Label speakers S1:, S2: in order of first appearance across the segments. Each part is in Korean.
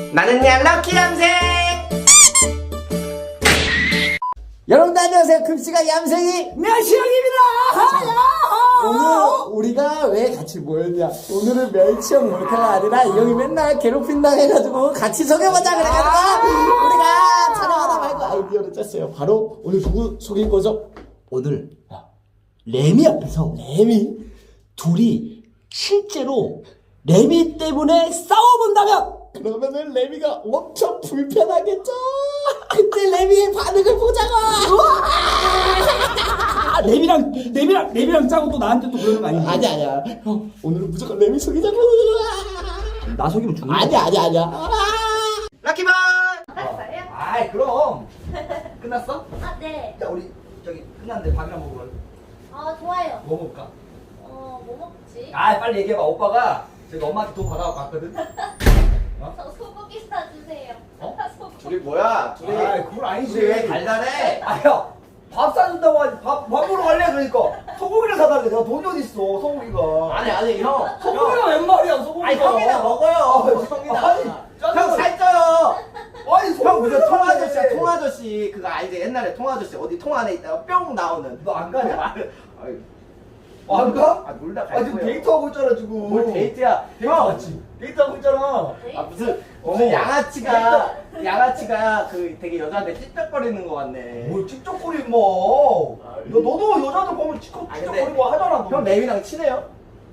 S1: 나는야 럭키 얌생.
S2: 여러분들 안녕하세요. 급식아 얌생이
S3: 멸치형입니다.
S2: 오늘 우리가 왜 같이 모였냐, 오늘은 멸치형 몰카가 아니라 이 형이 맨날 괴롭힌다 해가지고 같이 속여보자 그래가지고 우리가 촬영하다 말고 아이디어를 짰어요. 바로 오늘 누구 속일 거죠? 오늘 레미 앞에서 레미 둘이 실제로 레미 때문에 싸워본다면 그러면은 레미가 엄청 불편하겠죠? 그때 레미의 반응을 보자고.
S3: 레미랑 짜고 또 나한테 또 그러는 거 아니야?
S2: 아니야. 형, 오늘은 무조건 레미 속이자고.
S3: 나 속이면 죽는
S2: 아니야.
S1: 럭키볼.
S4: 끝났어요?
S3: 아이 그럼 끝났어?
S4: 아, 네.
S3: 야 우리 저기 끝났는데 밥이나 먹으러
S4: 좋아요.
S3: 뭐 먹을까?
S4: 뭐 먹지?
S3: 아 빨리 얘기해봐. 오빠가 저기 엄마한테 돈 받아갖고 왔거든.
S4: 저 소고기 사주세요.
S3: 어?
S4: 소고기.
S1: 둘이 뭐야? 둘이
S3: 아이 그건 아니지.
S1: 둘이 왜 달달해?
S3: 아야 밥 사준다고 하지. 밥 먹으러 갈래 그러니까 소고기를 사달래. 내가 돈이 어디 있어 소고기가.
S1: 아니 형.
S3: 소고기가 웬 말이야 소고기가.
S1: 아니 형이나 먹어요. 형이나.
S3: 아니,
S1: 형 살쪄요.
S3: 아니
S1: 형 무슨
S3: 소고기를
S1: 통아저씨야
S3: 사달래.
S1: 통아저씨. 그거 알지? 옛날에 통아저씨 어디 통 안에 있다가 뿅 나오는.
S3: 너 안 가냐?
S1: 아유,
S3: 안 가?
S1: 아 놀다
S3: 아
S1: 갈
S3: 지금
S1: 거예요.
S3: 데이트하고 있잖아 지금.
S1: 뭘 데이트야?
S3: 데이트 맞지? 데이트하고 있잖아.
S1: 아 무슨 양아치가 그 되게 여자한테 찝쩍거리는 거 같네.
S3: 뭘 찝쩍거리 뭐. 너도 여자들 보면 찝쩍거리고 하잖아. 너.
S1: 형 레미랑 친해요?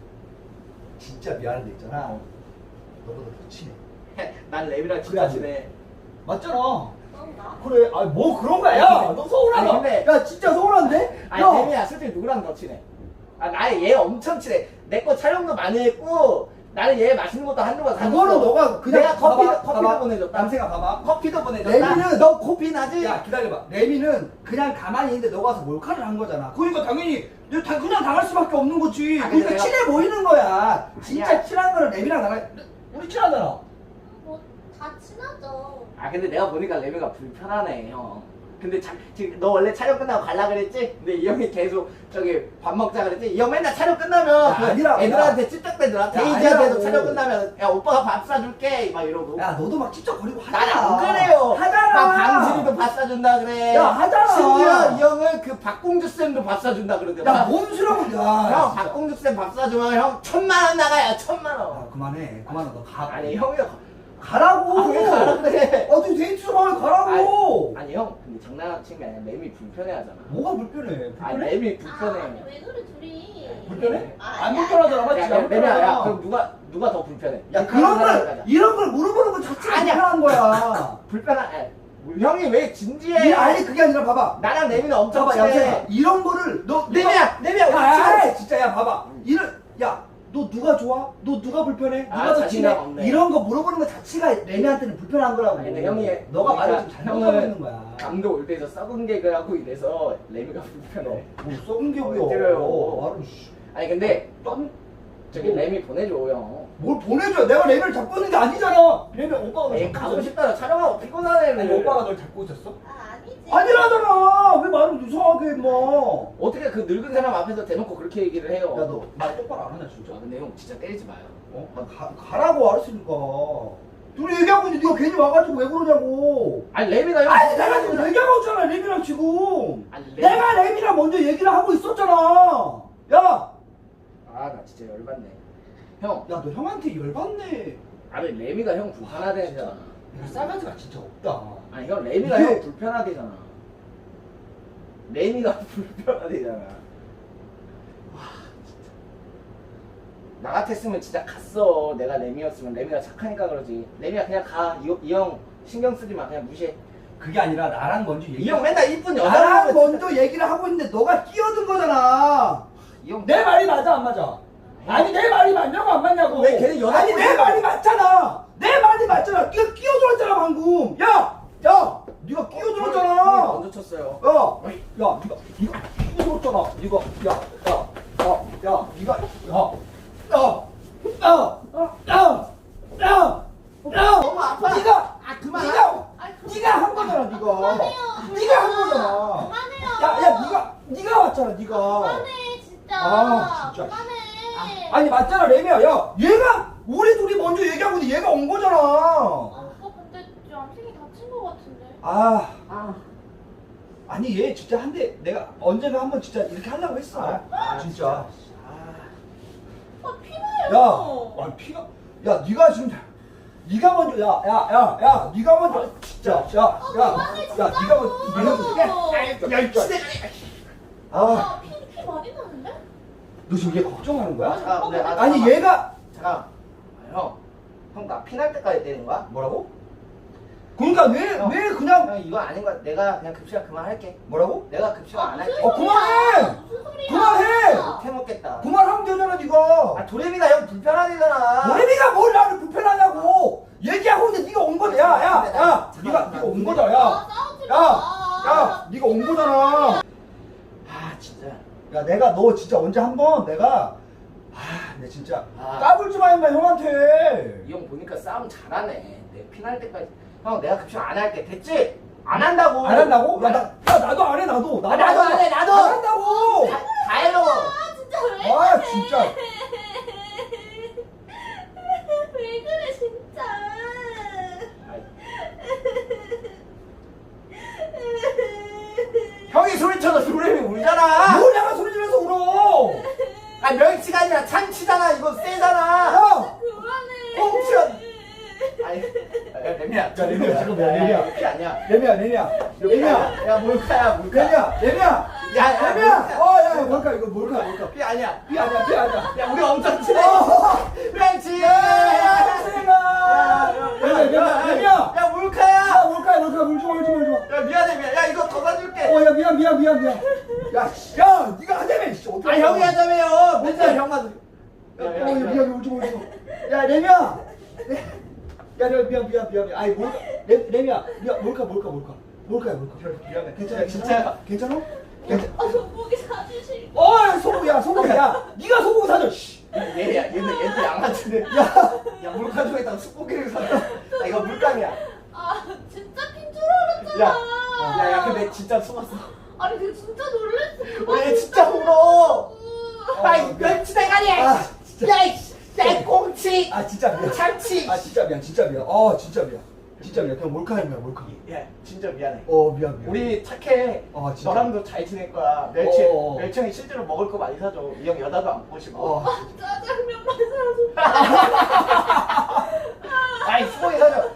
S3: 진짜 미안한데 있잖아. 너보다 더 친해.
S1: 난 레미랑
S3: 그래,
S1: 진짜
S3: 안 돼.
S1: 친해.
S3: 맞잖아.
S4: 그런가?
S3: 그래. 아니 뭐 그런 거야. 야, 너 서운하다.
S1: 아니, 근데-
S3: 야 진짜 서운한데?
S1: 아니
S3: 야.
S1: 레미야 솔직히 누구랑 더 친해? 아 나의 얘 엄청 친해. 내 거 촬영도 많이 했고 나는 얘 맛있는 것도 한두 번 사줬어.
S3: 그거는 너가 그냥
S1: 내가 커피도
S3: 봐봐.
S1: 보내줬다.
S3: 남생아 봐봐.
S1: 커피도 보내줬다.
S3: 레미는-
S1: 너 코피 나지?
S3: 야 기다려봐. 레미는 그냥 가만히 있는데 너가 와서 몰카를 한 거잖아. 그러니까 당연히 그냥 당할 수밖에 없는 거지.
S1: 아, 근데
S3: 그러니까
S1: 내가-
S3: 친해 보이는 거야. 진짜
S1: 아니야.
S3: 친한 거는 레미랑 나랑 우리 친하잖아.
S4: 뭐 다 친하죠.
S1: 아 근데 내가 보니까 레미가 불편하네 형. 근데 지금 너 원래 촬영 끝나고 갈라 그랬지? 근데 이 형이 계속 저기 밥 먹자 그랬지? 이 형 맨날 촬영 끝나면
S3: 야,
S1: 그
S3: 아니라고,
S1: 애들한테 찝쩍대더라. 데이지한테도
S3: 아니라고.
S1: 촬영 끝나면 야 오빠가 밥 사줄게 막 이러고.
S3: 야 너도 막 찝쩍거리고 하잖아.
S1: 난 안 그래요.
S3: 하잖아.
S1: 막 강진이도 밥 사준다 그래.
S3: 야, 하잖아.
S1: 심지어 이 형은 그 박공주 쌤도 밥 사준다 그러더라.
S3: 야뭔 소리하고
S1: 형 박공주 쌤 밥 사주면 형 1,000만 원 나가야 1,000만 원.
S3: 야 그만해 너 가.
S1: 아니 형이
S3: 가라고.
S1: 왜 가라 그래?
S3: 너 데이트 좀 하면 가라고.
S1: 아니 형 근데 장난친 게 아니라 램이 불편해하잖아.
S3: 뭐가 불편해?
S1: 아니
S3: 불편해?
S1: 램이 불편해.
S4: 아니 왜 그래 둘이?
S3: 불편해?
S4: 아,
S3: 안 불편하잖아 맞지?
S1: 야,
S3: 안
S1: 램이야, 야,
S3: 불편하잖아.
S1: 그럼 누가 더 불편해?
S3: 야 그런 걸 이런 걸 물어보는 거 자체가
S1: 아니야.
S3: 불편한 거야.
S1: 형이 왜 진지해?
S3: 아니 그게 아니라 봐봐.
S1: 나랑 램이는 엄청
S3: 봐봐
S1: 친해.
S3: 야 이런 거를 너
S1: 램이야
S3: 야 진짜 야 봐봐. 너 누가 좋아? 너 누가 불편해? 누가
S1: 아,
S3: 더
S1: 자신감
S3: 친해?
S1: 없네.
S3: 이런 거 물어보는 거 자체가 레미한테는 불편한 거라고.
S1: 아니, 근데 형이
S3: 너가 말을 좀
S1: 그러니까
S3: 잘못하고
S1: 형은
S3: 있는 거야.
S1: 감독 올 때에서 썩은 개그 하고 이래서 램이가 불편해.
S3: 뭐 썩은 게
S1: 왜
S3: 뭐야?
S1: 때려요?
S3: 말을 씨.
S1: 아니 근데 저기 램이 보내줘 형.
S3: 뭘 보내줘? 내가 레미를 잡고 있는 게 아니잖아. 레미 오빠가 널
S1: 에이
S3: 잡고
S1: 가고
S3: 있었어.
S1: 싶다 촬영하고 피곤하네.
S3: 아니 오빠가 널 잡고 있었어?
S4: 아니지.
S3: 아니라잖아. 왜 말을 이상하게 뭐?
S1: 어떻게 그 늙은 사람 앞에서 대놓고 그렇게 얘기를 해요?
S3: 야 너 말 똑바로 안 하냐 진짜?
S1: 아, 근데 형 진짜 때리지 마요.
S3: 가라고 알았으니까. 둘이 얘기하고 있는데 네가 괜히 와가지고 왜 그러냐고.
S1: 아니 램이가 형.
S3: 아니 내가 지금 얘기하고 있잖아 레미랑 지금.
S1: 아니, 램-
S3: 내가 레미랑 먼저 얘기를 하고 있었잖아. 야,
S1: 아 나 진짜 열받네. 형.
S3: 야 너 형한테 열받네.
S1: 아니 레미가 형 불편하대잖아.
S3: 야, 싸가지가 진짜 없다.
S1: 아니 형 레미가
S3: 이게-
S1: 형 불편하대잖아. 레미가 불편하대잖아. 와 진짜. 나 같았으면 진짜 갔어. 내가 레미였으면 레미가 착하니까 그러지. 레미야 그냥 가. 이 형 신경 쓰지 마. 그냥 무시해.
S3: 그게 아니라 나랑 먼저
S1: 이 형 맨날 이쁜 여자
S3: 나랑
S1: 보면
S3: 먼저 얘기를 하고 있는데 너가 끼어든 거잖아.
S1: 이형
S3: 내 말이 맞아 안 맞아? 아니 내 말이 맞냐고 안 맞냐고.
S1: 왜 걔는 여자
S3: 아니 내
S1: 보이냐고.
S3: 말이 맞잖아. 내 말이 맞잖아. 네가 끼어들었잖아 방금. 야, 네가 끼어들었잖아.
S1: 먼저 쳤어야
S3: 네가 끼어들었잖아.
S1: 너무 아파.
S3: 네가
S1: 그만.
S3: 네가 한 거잖아. 네가 한 거잖아.
S4: 그만해요.
S3: 네가 왔잖아. 네가.
S4: 그만해 진짜.
S3: 아, 진짜.
S4: 그만해.
S3: 아니 맞잖아 레미야. 야 얘가 우리 둘이 먼저 얘기하고 있는데 얘가 온 거잖아.
S4: 오빠 같은데.
S3: 아니 얘 진짜 한 대 내가 언젠가 한번 진짜 이렇게 하려고 했어. 진짜.
S4: 피나요.
S3: 피가. 야, 네가 지금 네가 먼저. 야, 네가 먼저. 진짜. 야, 네가 먼저. 야, 이 진짜.
S4: 피 많이 나는데?
S3: 너 지금 얘 걱정하는 거야?
S1: 잠깐, 근데
S3: 아니 얘가
S1: 잠깐. 형 나 피날 때까지 때린 거야?
S3: 뭐라고? 그러니까 왜 그냥
S1: 형 이거 아닌 거야. 내가 그냥 급식을 그만할게.
S3: 뭐라고?
S1: 내가 급식을 안 할게.
S3: 그만해!
S4: 무슨 소리야?
S3: 그만해!
S1: 못 해먹겠다.
S3: 그만하면 되잖아 네가.
S1: 아 도레미가 형 불편하대잖아.
S3: 노래비가 뭘 나를 불편하냐고. 얘기하고 있는데 네가 온 거다. 야, 네가 온 거다.
S4: 싸우지 마.
S3: 네가 온 거잖아.
S1: 진짜.
S3: 야, 내가 너 진짜 언제 한번 내가 내 진짜
S1: 아.
S3: 까불지 마 임마 형한테.
S1: 이 형 보니까 싸움 잘하네. 내 피날 때까지. 형 내가 급식 안 할게. 됐지? 안 한다고.
S3: 안 한다고? 나도 안 해. 나도
S1: 나도 안 해. 나도.
S3: 안 한다고.
S1: 다 해로.
S4: 진짜 왜?
S3: 아 진짜.
S4: 왜 그래 진짜.
S1: 형이 소리쳐서 도레미 울잖아.
S3: 뭘 내가 소리 지르면서 울어.
S1: 아 멸치가 아니라 참치잖아. 이거 세잖아.
S3: 야.
S4: 그만해.
S1: 꽁치야. 아니, 야, 레미야.
S3: 야, 레미야, 잠깐만, 레미야.
S1: 피 아니야.
S3: 레미야.
S1: 야, 몰카야.
S3: 레미야.
S1: 야,
S3: 야, 뭘까 이거 뭘까?
S1: 피 아니야.
S3: 피 아니야.
S1: 야, 우리 엄청 친해. 멸치.
S3: 야, 레미야.
S1: 야, 몰카야.
S3: 뭘까 울지 마.
S1: 야, 미안해. 야, 이거 더 사줄게.
S3: 야, 미안. 야, 네가 하자며.
S1: 아, 형이 하자며요. 맨날 형만.
S3: 미안, 울지 마. 야, 레미야. 야, 미안. 아이, 레미야. 미안, 뭘까?
S1: 미안해.
S3: 괜찮아?
S1: 진짜.
S3: 괜찮아?
S4: 소고기 사주실.
S3: 소고기야. 네가 소고기 사줘. 씨.
S1: 얘도 양아치네. 야, 물가 중에 있다가 숯고기를 샀다. 야, 이거 물감이야.
S4: 진짜 핀 줄 알았잖아.
S1: 야, 근데 진짜 숨었어.
S4: 아니 내가 진짜 놀랬어.
S1: 왜 진짜 울어? 아이,
S4: 아,
S1: 멸치 대가리야.
S3: 진짜.
S1: 야, 이 꽁치.
S3: 진짜 미안.
S1: 참치.
S3: 진짜 미안. 진짜 미안. 그냥 몰카입니다.
S1: 야, 진짜 미안해.
S3: 미안.
S1: 우리 착해.
S3: 진짜.
S1: 너랑도 잘 지낼 거야. 멸치형이 실제로 먹을 거 많이 사줘. 이 형 여자도 안 꼬시고.
S4: 짜장면만 사줘.
S1: 아이, 수고이 사줘.